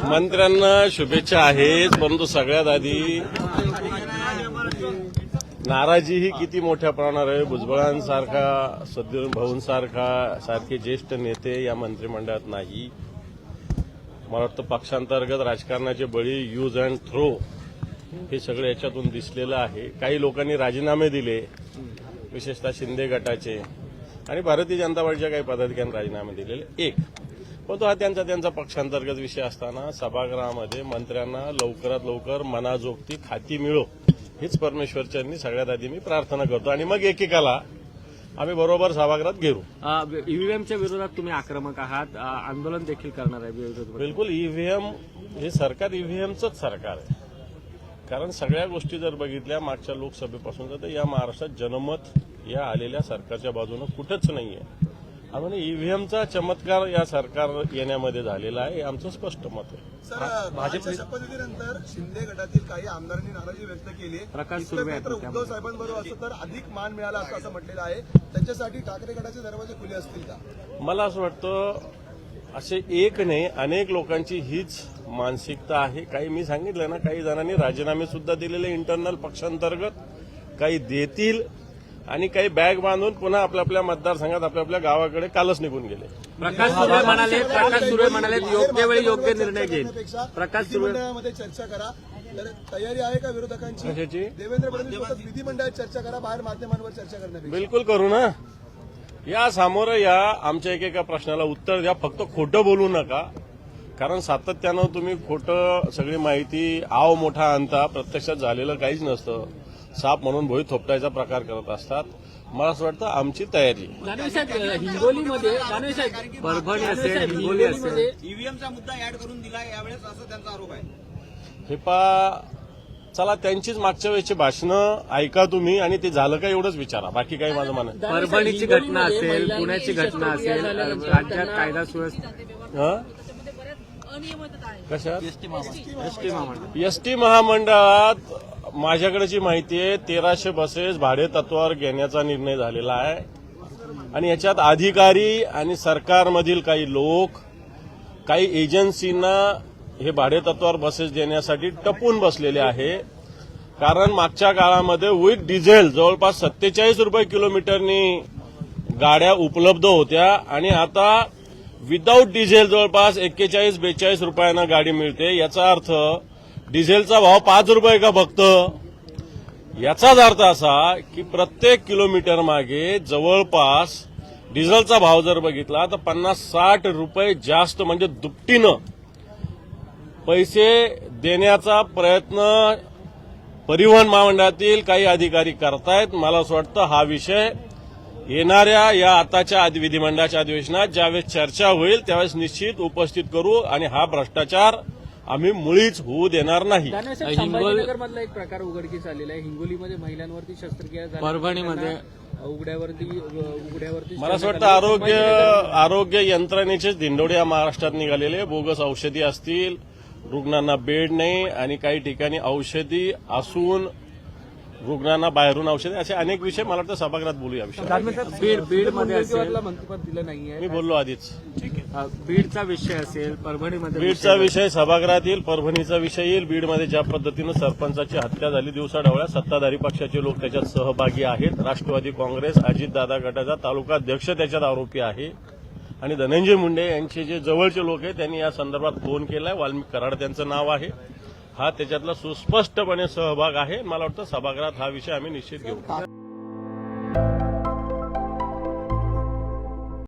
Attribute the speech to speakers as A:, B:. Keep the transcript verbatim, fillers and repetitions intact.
A: मंत्र्यांना शुभेच्छा आहेत, परंतु सगळ्यात आधी नाराजी ही किती मोठ्या प्रमाणावर आहे. भुजबळांसारखा, सद्गुरू भाऊंसारखा सारखे ज्येष्ठ नेते या मंत्रिमंडळात नाही. मला वाटतं पक्षांतर्गत राजकारणाचे बळी, यूज अँड थ्रो हे सगळं याच्यातून दिसलेलं आहे. काही लोकांनी राजीनामे दिले, विशेषतः शिंदे गटाचे आणि भारतीय जनता पार्टीच्या काही पदाधिकाऱ्यांनी राजीनामे दिलेले. एक परंतु हा त्यांचा त्यांचा पक्षांतर्गत विषय असताना सभागृहामध्ये मंत्र्यांना लवकरात लवकर मनाजोगती खाती मिळो हीच परमेश्वरच्यांनी सगळ्यात आधी मी प्रार्थना करतो आणि मग एकेकाला आम्ही बरोबर सभागृहात घेऊ.
B: ईव्हीएमच्या विरोधात तुम्ही आक्रमक आहात, आंदोलन देखील करणार आहे विरोधात.
A: बिलकुल. ईव्हीएम हे सरकार ईव्हीएमचंच सरकार आहे. कारण सगळ्या गोष्टी जर बघितल्या मागच्या लोकसभेपासून तर या महाराष्ट्रात जनमत या आलेल्या सरकारच्या बाजूनं कुठंच नाहीये. आणि ईव्हीएमचा चमत्कार या सरकार येण्यामध्ये झालेला आहे, हे आमचं स्पष्ट मत आहे.
C: सर, भाजपच्या शपथविधीनंतर शिंदे गटातील काही आमदारांनी नाराजी व्यक्त केली.
B: प्रकाश
C: इतकं
B: सुर्वे
C: मात्र उद्धव साहेबांबरोबर असं तर अधिक मान मिळाला असं असं म्हटलेलं आहे. त्यांच्यासाठी ठाकरे गटाचे दरवाजे खुले असतील का?
A: मला असं वाटतं असे एक नाही, अनेक लोकांची हीच मानसिकता आहे. काही मी सांगितलं ना, काही जणांनी राजीनामे सुद्धा दिलेले इंटरनल पक्षांतर्गत, काही देतील आणि काही बॅग बांधून पुन्हा आपल्या आपल्या मतदारसंघात आपल्या आपल्या गावाकडे कालच निघून गेले.
B: प्रकाश सुर्वे म्हणाले प्रकाश सुर्वे म्हणाले योग्य वेळी योग्य निर्णय घेईल. प्रकाश सुर्वे
C: विधिमंडळामध्ये चर्चा करा. तर तयारी आहे का विरोधकांची?
A: कशाची?
C: देवेंद्र फडणवीस बोलतात विधिमंडळात चर्चा करा, बाहेर माध्यमांवर चर्चा करण्यापेक्षा.
A: बिलकुल करू ना. या सामोरं या, आमच्या एकेका प्रश्नाला उत्तर द्या, फक्त खोटं बोलू नका. कारण सातत्यानं तुम्ही खोटं सगळी माहिती आव मोठा आणता, प्रत्यक्षात झालेलं काहीच नसतं. साप म्हणून भोई थोपटायचा प्रकार करत असतात. मला असं वाटतं आमची तयारी.
B: हिंगोलीमध्ये परभणी असेल, हिंगोली असेल,
D: ईव्हीएमचा मुद्दा ऍड करून दिला यावेळेस, असं त्यांचा आरोप आहे.
A: हे पा चला त्यांचीच मागच्या वेळेची भाषणं ऐका तुम्ही आणि ते झालं का एवढंच विचारा, बाकी काही माझं म्हणणं.
B: परभणीची घटना असेल, पुण्याची घटना असेल, राज्यात कायदा सुव्यवस्था
A: कशात?
B: एसटी महामंडळ
A: एसटी महामंडळात माझ्याकडे जी माहिती आहे तेराशे बसेस भाडे तत्वावर घेण्याचा निर्णय झालेला आहे आणि याच्यात अधिकारी आणि सरकारमधील काही लोक काही एजन्सींना हे भाडे तत्वावर बसेस देण्यासाठी टपून बसलेले आहे. कारण मागच्या काळामध्ये विथ डिझेल जवळपास सत्तेचाळीस रुपये किलोमीटरनी गाड्या उपलब्ध होत्या आणि आता विदाऊट डिझेल जवळपास एक्केचाळीस बेचाळीस रुपयांना गाडी मिळते. याचा अर्थ डिझेलचा भाव पाच रुपये का फक्त? याचाच अर्थ असा की प्रत्येक किलोमीटर मागे जवळपास डिझेलचा भाव जर बघितला तर पन्नास साठ रुपये जास्त, म्हणजे दुपटीनं पैसे देण्याचा प्रयत्न परिवहन महामंडळातील काही अधिकारी करतायत. मला असं वाटतं हा विषय येणाऱ्या या आताच्या विधिमंडळाच्या अधिवेशनात ज्यावेळेस चर्चा होईल त्यावेळेस निश्चित उपस्थित करू आणि हा भ्रष्टाचार आम्ही मुळीच होऊ देणार नाही.
B: संभाजीनगरमधला एक प्रकार उघडकीस आलेला आहे. हिंगोलीमध्ये महिलांवरती शस्त्रक्रिया झाली, परभणीमध्ये उघड्यावरती उघड्यावरती
A: मला असं वाटतं आरोग्य आरोग्य यंत्रणेचेच धिंडोडे या महाराष्ट्रात निघालेले. बोगस औषधी असतील, रुग्णांना बेड नाही आणि काही ठिकाणी औषधी असून रुग्णांना बाहेरून औषधी, असे अनेक विषय मला वाटतं सभागृहात बोलू या विषयावर.
B: बीड बीडमध्ये मंत्रिपद दिलं नाहीये,
A: मी बोललो आधीच.
B: बीडचा विषय असेल, परभणीमध्ये
A: बीडचा विषय सभागृहात येईल, परभणीचा विषय येईल. बीडमध्ये ज्या पद्धतीनं सरपंचाची हत्या झाली दिवसाढवळ्या, सत्ताधारी पक्षाचे लोक त्याच्यात सहभागी आहेत. राष्ट्रवादी काँग्रेस, अजितदादा गटाचा तालुका अध्यक्ष त्याच्यात आरोपी आहे आणि धनंजय मुंडे यांचे जे जवळचे लोक आहेत त्यांनी या संदर्भात फोन केलाय. वाल्मिक कराड त्यांचं नाव आहे. हा त्याच्यातला सुस्पष्टपणे सहभाग आहे. मला वाटतं सभागृहात हा विषय आम्ही निश्चित घेऊ.